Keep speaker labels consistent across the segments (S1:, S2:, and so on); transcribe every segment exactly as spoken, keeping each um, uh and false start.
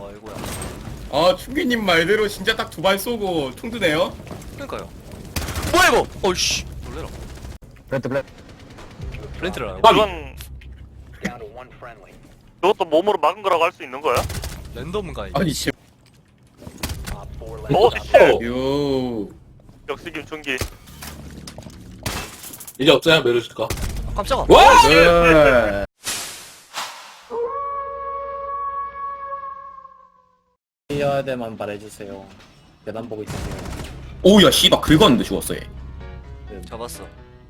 S1: 아이고야.
S2: 아 충기님 말대로 진짜 딱 두 발 쏘고 총 드네요.
S1: 그러니까요. 뭐야 이거? 어이씨. 놀래라.
S3: 블렌트 블렌트.
S1: 플랜트를 안 하고.
S4: 이건 이것도 몸으로 막은 거라고 할 수 있는 거야?
S1: 랜덤가 이거.
S2: 아니 씨.
S4: 오 쉣!
S2: 요.
S4: 역시 김충기.
S5: 이제 어쩌냐 메르실까?
S1: 아, 깜짝아.
S2: 와. 네.
S3: 뛰어야 돼만 말해주세요. 계단 보고 있으세요.
S2: 오야 씨발 긁었는데 죽었어 얘.
S1: 잡았어.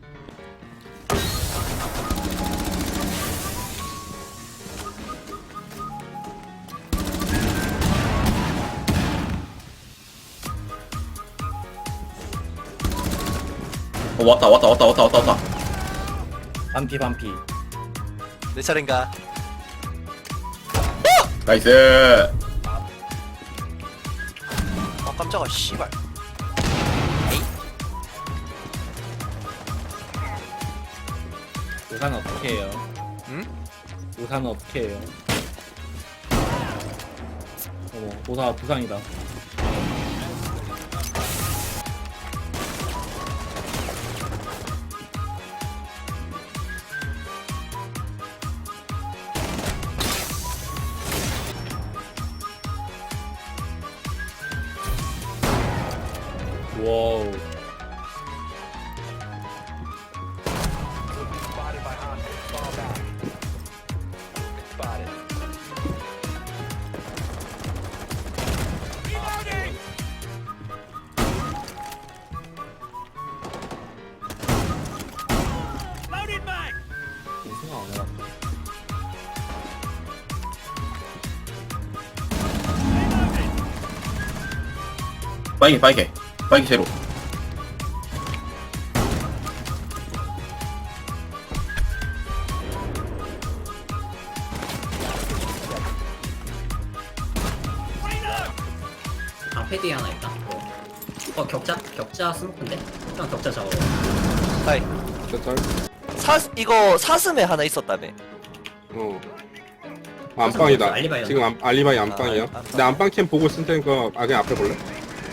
S2: 어 왔다 왔다 왔다 왔다 왔다 왔다.
S3: 반피 반피.
S1: 내 차례인가?
S2: 나이스.
S1: 아 깜짝아. 씨발.
S3: 우산 어떻게 해요?
S1: 응?
S3: 우산은 어떻게 해요? 어머 우산 부상이다. 와우. 생각 안 해봤다.
S2: 빠이게 빠이게 빠이게 제로.
S6: 앞에 뒤에 하나 있다. 어 격자? 격자 스모크인데? 그냥 격자 잡아.
S1: 하이.
S5: 짤.
S1: 사 이거 사슴에 하나 있었다며.
S5: 어. 아, 안방이다.
S6: 알리바이
S5: 지금 안, 알리바이 안방이야.
S1: 아, 안방.
S5: 내 안방 캠 보고 있을 테니까 아 그냥 앞에 볼래?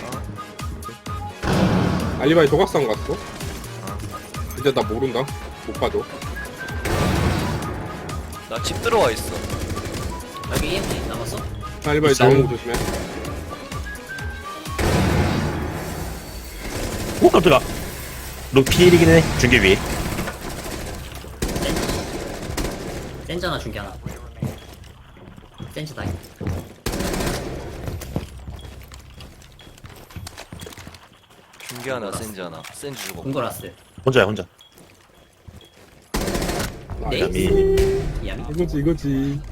S5: 알리바이 조각상 갔어. 이제 나 모른다. 못 봐줘.
S1: 나 집 들어와 있어.
S6: 여기 이엠피 남았어?
S5: 알리바이 나오는 거 조심해.
S7: 오 깜짝아. 룩필이긴 해. 중계 위.
S6: 센즈 하나 준게 하나. 센즈 다이.
S1: 중계 하나, 센즈 하나. 센즈 주고.
S6: 공거라스.
S7: 혼자야 혼자.
S5: 아,
S6: 네?
S7: 야미.
S6: 야미.
S5: 이거지 이거지.